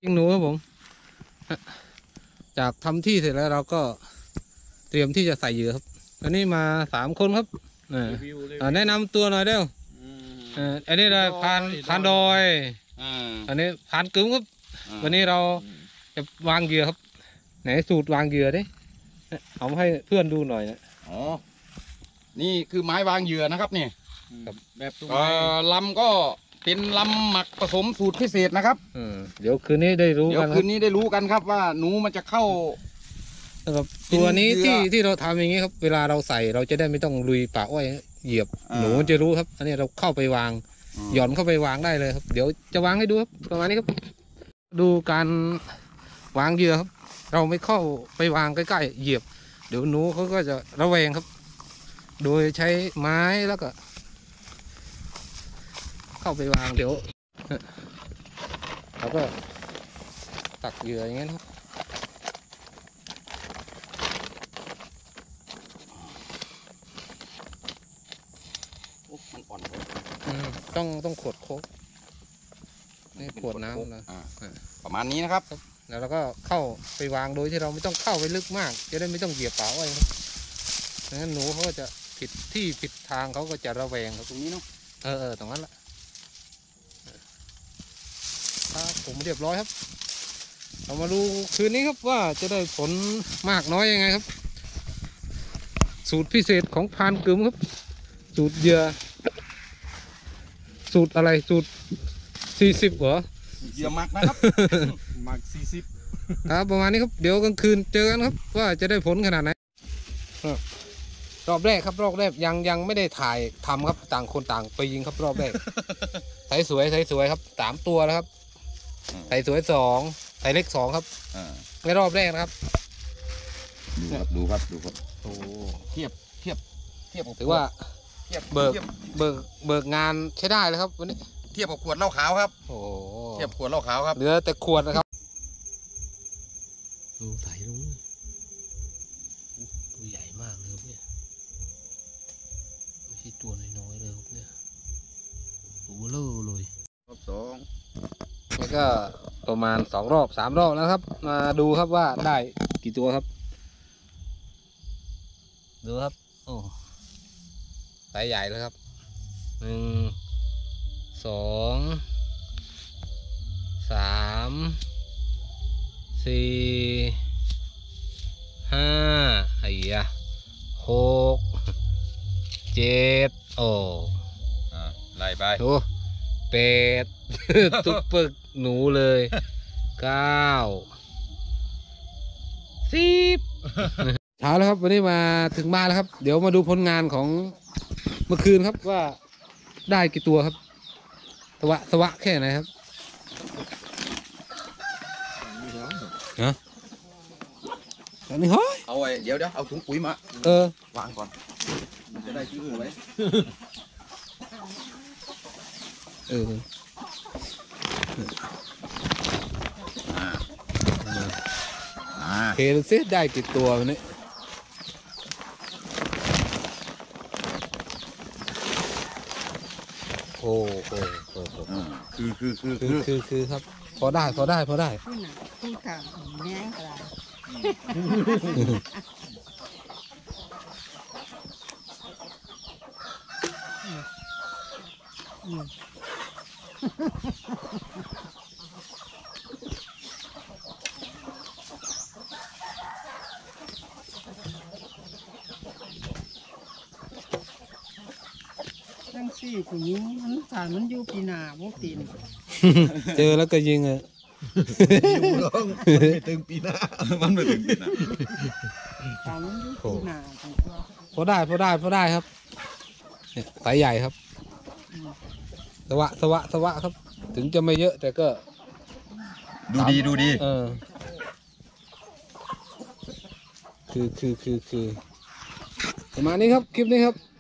ยิงหนูครับผมจากทำที่เสร็จแล้วเราก็เตรียมที่จะใส่เหยื่อครับอันนี้มา3 คนครับแนะนำตัวหน่อยเด้ออันนี้เราพานดอยอันนี้พานกึ้มครับวันนี้เราจะวางเหยื่อครับไหนสูตรวางเหยื่อดิเอาให้เพื่อนดูหน่อยนะอ๋อนี่คือไม้วางเหยื่อนะครับนี่แบบลำก็เป็นลำหมักผสมสูตรพิเศษนะครับเดี๋ยวคืนนี้ได้รู้กันครับว่าหนูมันจะเข้าตัวนี้ที่เราทำอย่างนี้ครับเวลาเราใส่เราจะได้ไม่ต้องลุยป่าอ้อยเหยียบหนูจะรู้ครับอันนี้เราเข้าไปวางหย่อนเข้าไปวางได้เลยครับเดี๋ยวจะวางให้ดูครับประมาณนี้ครับดูการวางเหยื่อครับเราไม่เข้าไปวางใกล้ๆเหยียบเดี๋ยวหนูเขาก็จะระแวงครับโดยใช้ไม้แล้วก็เข้าไปวางเดี๋ยวเราก็ตักเหยื่ออย่างเงี้ยครับมันอ่อนต้องขวดโค้กนี่ขวดน้ำนะประมาณนี้นะครับแล้วเราก็เข้าไปวางโดยที่เราไม่ต้องเข้าไปลึกมากจะได้ไม่ต้องเหยียบป่าอ้อยครับงั้นหนูเขาก็จะผิดที่ผิดทางเขาก็จะระแวงครับตรงนี้เนาะตรงนั้นแหละครับผมเรียบร้อยครับเรามาดูคืนนี้ครับว่าจะได้ผลมากน้อยยังไงครับสูตรพิเศษของพานกึ๋มครับสูตรเหยื่อสูตรอะไรสูตร40เหรอเหยื่อหมักนะครับหมัก40 ครับประมาณนี้ครับเดี๋ยวกลางคืนเจอกันครับว่าจะได้ผลขนาดไหนรอบแรกครับรอบแรกยังไม่ได้ถ่ายทำครับต่างคนต่างไปยิงครับรอบแรกใส่สวยครับ3 ตัวแล้วครับใส่สวย2ใส่เล็ก2ครับในรอบแรกนะครับดูครับโอ้เทียบถือว่าเบิกงานใช้ได้เลยครับวันนี้เทียบกับขวดเหล้าขาวครับโอ้เทียบขวดเหล้าขาวครับเหลือแต่ขวดนะครับดูใส่ลุงตัวใหญ่มากเลยครับเนี่ยไม่ใช่ตัวน้อยๆเลยครับเนี่ยตัวเบลอเลยรอบ2 นี่ก็ประมาณ2 รอบ 3 รอบแล้วครับมาดูครับว่าได้กี่ตัวครับดูครับโอ้ไซส์ใหญ่เลยครับ1 2 3 4 5ไอ้ยะ6 7โอ้ไล่ไปโอ้8 ตุ๊กปึกหนูเลย9 10เช้าแล้วครับวันนี้มาถึงบ้านแล้วครับเดี๋ยวมาดูผลงานของเมื่อคืนครับว่าได้กี่ตัวครับสวะแค่ไหนครับนะอันนี้เฮ้ยเอาไว้เดี๋ยวเอาถุงปุ๋ยมาวางก่อนมันจะได้ชิ้นหัวไว้เห็นซิได้กี่ตัววันนี้โอ้คือครับพอได้พูดค่ะแง่กระทั้งสี่ผู้หญิงมันสารมันอยู่ปีหน้าพวกตีนเจอแล้วก็ยิงอ่ะไม่ถึงปีหน้ามันไม่ถึงปีหน้าสารมันอยู่ปีหน้าพอได้ครับเนี่ยสายใหญ่ครับสวะครับถึงจะไม่เยอะแต่ก็ดูดีคือประมาณนี้ครับคลิปนี้ครับ